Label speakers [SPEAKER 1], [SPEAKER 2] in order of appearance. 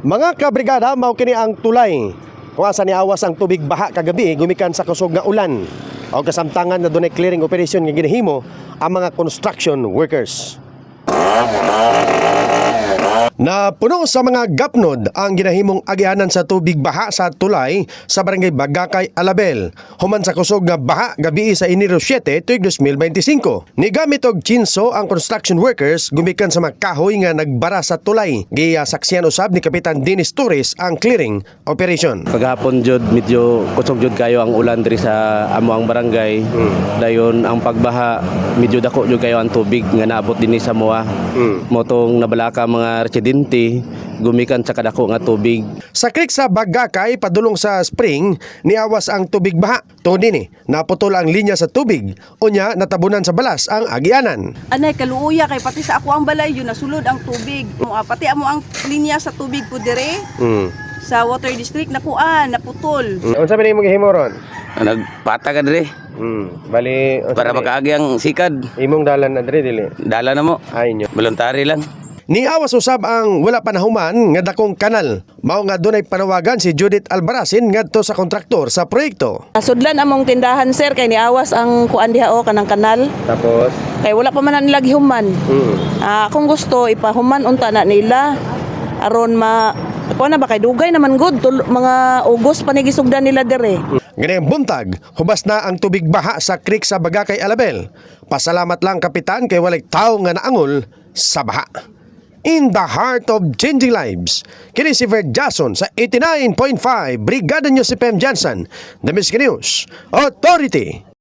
[SPEAKER 1] Mga kabrigada, mao kini ang tulay kung asa ni awas ang tubig baha kagabi gumikan sa kusog nga ulan. O kasamtangan na dunay clearing operation nga ginahimo ang mga construction workers. Na puno sa mga gapnod ang ginahimong agianan sa tubig baha sa tulay sa barangay Bagakay, Alabel. Human sa kusog nga baha gabi sa Enero 7, tuig 2025. Nigamit og chinso ang construction workers gumikan sa mga kahoy nga nagbara sa tulay. Gisaksihan usab ni Kapitan Dennis Torres ang clearing operation.
[SPEAKER 2] Paghapon jud medyo kusog jud kayo ang ulan diri sa amo ang barangay. Dayon ang pagbaha medyo dako jud kayo ang tubig nga naabot dinhi sa moa. Motong nabalaka mga residente gumikan sa kadako nga tubig.
[SPEAKER 1] Sa creek sa Bagakay padulong sa spring niawas ang tubig baha. Tungod dinhi naputol ang linya sa tubig unya natabunan sa balas ang agianan.
[SPEAKER 3] Anay kaluuya kay pati sa ako ang balay yun nasulod ang tubig. Pati amo ang linya sa tubig po dire. Sa water district naputol.
[SPEAKER 1] Unsa man imong gihimo ron?
[SPEAKER 2] Nagpata ka diri
[SPEAKER 1] Bali
[SPEAKER 2] para makaagi ang sikad.
[SPEAKER 1] imong dalan na diri dili.
[SPEAKER 2] Dala na mo.
[SPEAKER 1] Ay nyo.
[SPEAKER 2] Voluntary lang.
[SPEAKER 1] Niawas usab ang wala panahuman nga dakong kanal. Mao nga dunay panawagan si Judith Albarazin ngadto sa kontraktor sa proyekto.
[SPEAKER 3] Sudlan among tindahan sir kay niawas ang kuan diha o kanang kanal.
[SPEAKER 1] Tapos
[SPEAKER 3] Kay wala pa man na nila gihuman. Kung gusto ipahuman unta na nila aron kuan na ba kay dugay naman good mga Ugos pa ni gisugdan nila dire.
[SPEAKER 1] ganang buntag, hubas na ang tubig baha sa creek sa Bagakay, Alabel. Pasalamat lang kapitan kay walay tawo nga naangol sa baha. In the heart of changing lives, kini si Verd Jason sa 89.5 Brigada News si Pem Johnson, The Miski News Authority.